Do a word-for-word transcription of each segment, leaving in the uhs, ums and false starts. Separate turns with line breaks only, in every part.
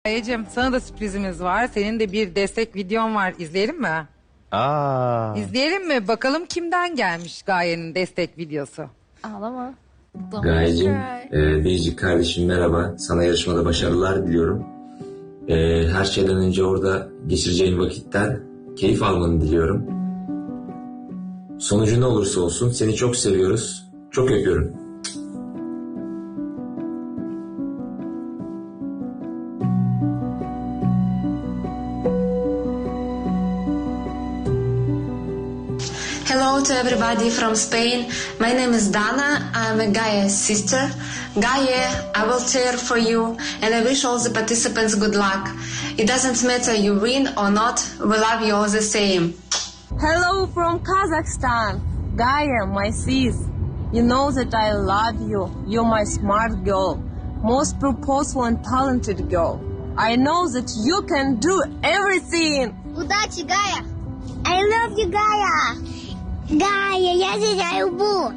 Gayecim, sana da sürprizimiz var. Senin de bir destek videon var. İzleyelim mi?
Aa.
İzleyelim mi? Bakalım kimden gelmiş Gaye'nin destek videosu.
Ağlama.
Gayecim, e, Biricik kardeşim merhaba. Sana yarışmada başarılar diliyorum. E, her şeyden önce orada geçireceğin vakitten keyif almanı diliyorum. Sonucu ne olursa olsun seni çok seviyoruz. Çok öpüyorum.
Hello to everybody from Spain. My name is Dana. I'm a Gaia's sister. Gaia, I will cheer for you and I wish all the participants good luck. It doesn't matter you win or not, we love you all the same.
Hello from Kazakhstan. Gaia, my sis. You know that I love you. You're my smart girl. Most purposeful and talented girl. I know that you can do everything.
Удачи, Гая! I love you, Гая! Гая, я тебя люблю.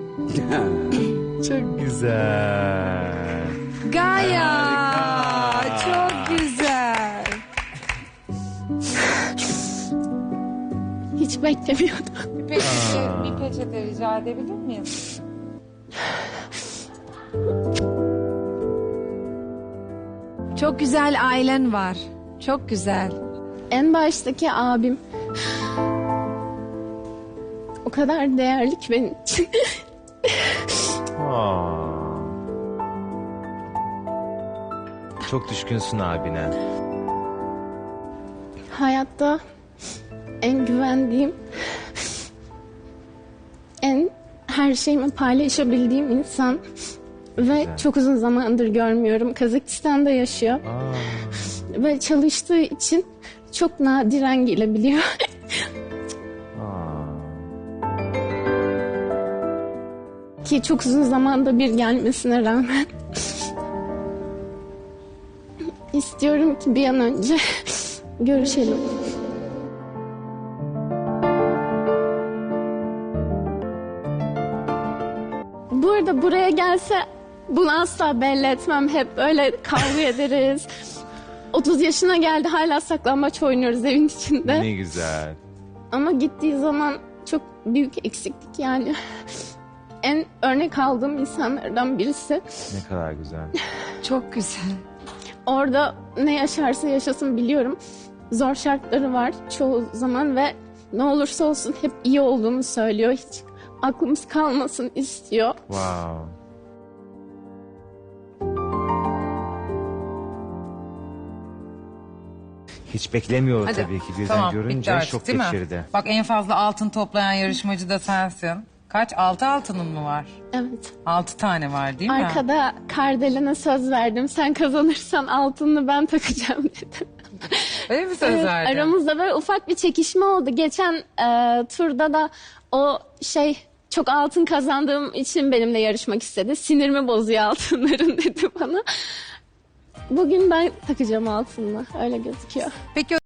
Çok güzel.
Gaye! Çok güzel.
Hiç beklemiyordum.
Bir peçete, bir peçete rica edebilir miyim? Çok güzel ailen var. Çok güzel.
En baştaki abim o kadar değerli ki benim için.
Aa. Çok düşkünsün abine.
Hayatta en güvendiğim, en her şeyimi paylaşabildiğim insan ve çok uzun zamandır görmüyorum. Kazakistan'da yaşıyor
Aa.
ve çalıştığı için çok nadiren gelebiliyor.
Aa.
Ki çok uzun zamanda bir gelmesine rağmen istiyorum ki bir an önce görüşelim. Bu arada buraya gelse bunu asla belli etmem. Hep öyle kavga ederiz. otuz yaşına geldi, hala saklambaç oynuyoruz evin içinde.
Ne güzel.
Ama gittiği zaman çok büyük eksiklik yani. En örnek aldığım insanlardan birisi.
Ne kadar güzel.
Çok güzel.
Orada ne yaşarsa yaşasın biliyorum. Zor şartları var çoğu zaman ve ne olursa olsun hep iyi olduğunu söylüyor. Hiç aklımız kalmasın istiyor.
Wow. Hiç beklemiyor tabii ki. Birden
tamam, bitti
görünce
artık,
şok
değil mi?
geçirdi.
Bak, en fazla altın toplayan yarışmacı da sensin. Kaç? Altı altının mı var?
Evet.
Altı tane var değil mi?
Arkada Kardelen'e söz verdim. Sen kazanırsan altınını ben takacağım dedim.
Öyle mi söz
Evet,
verdin?
aramızda böyle ufak bir çekişme oldu. Geçen e, turda da o şey çok altın kazandığım için benimle yarışmak istedi. Sinirimi bozuyor altınların dedi bana. Bugün ben takacağım altınını. Öyle gözüküyor.
Peki